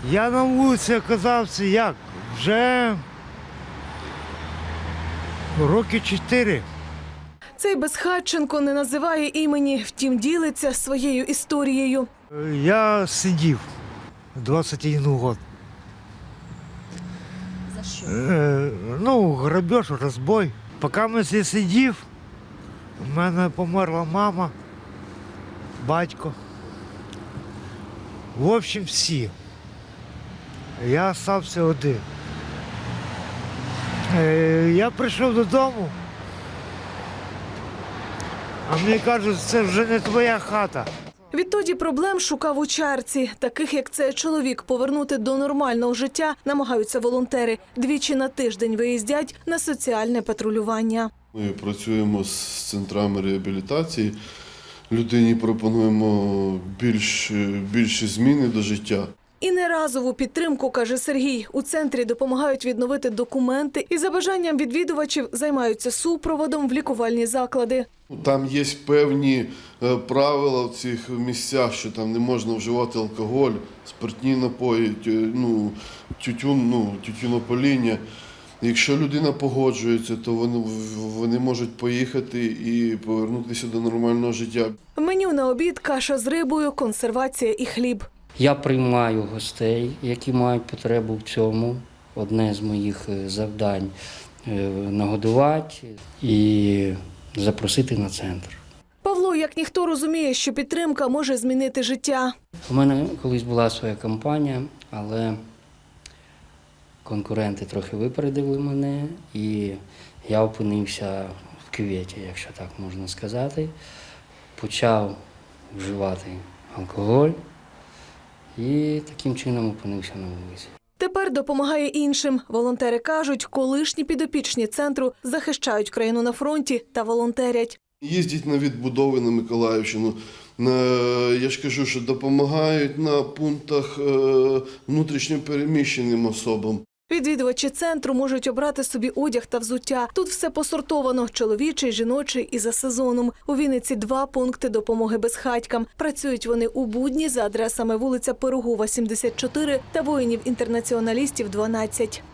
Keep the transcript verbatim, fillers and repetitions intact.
Я на вулиці оказався як? Вже роки чотири. Цей Безхатченко не називає імені, втім ділиться своєю історією. Я сидів двадцять один год. За що? Е, ну, грабеж, розбой. Поки я здесь сидів, у мене померла мама, батько. В общем, всі. Я залишився один. Е, я прийшов додому, а мені кажуть, це вже не твоя хата. Відтоді проблем шукав у чарці. Таких, як цей чоловік, повернути до нормального життя намагаються волонтери. Двічі на тиждень виїздять на соціальне патрулювання. Ми працюємо з центрами реабілітації. Людині пропонуємо більш, більші зміни до життя. І не разову підтримку, каже Сергій. У центрі допомагають відновити документи і за бажанням відвідувачів займаються супроводом в лікувальні заклади. Там є певні правила в цих місцях, що там не можна вживати алкоголь, спиртні напої, ну, тютюн, ну, тютюнопаління. Якщо людина погоджується, то вони, вони можуть поїхати і повернутися до нормального життя. В меню на обід каша з рибою, консервація і хліб. Я приймаю гостей, які мають потребу в цьому. Одне з моїх завдань – нагодувати і запросити на центр. Павло, як ніхто, розуміє, що підтримка може змінити життя. У мене колись була своя компанія, але конкуренти трохи випередили мене, і я опинився в кюветі, якщо так можна сказати. Почав вживати алкоголь і таким чином опинився на вулиці. Тепер допомагає іншим. Волонтери кажуть, колишні підопічні центру захищають країну на фронті та волонтерять. Їздять на відбудови на Миколаївщину. Я ж кажу, що допомагають на пунктах внутрішньо переміщеним особам. Відвідувачі центру можуть обрати собі одяг та взуття. Тут все посортовано – чоловічий, жіночий і за сезоном. У Вінниці два пункти допомоги безхатькам. Працюють вони у будні за адресами вулиця Пирогова, сімдесят чотири та Воїнів-інтернаціоналістів, дванадцять.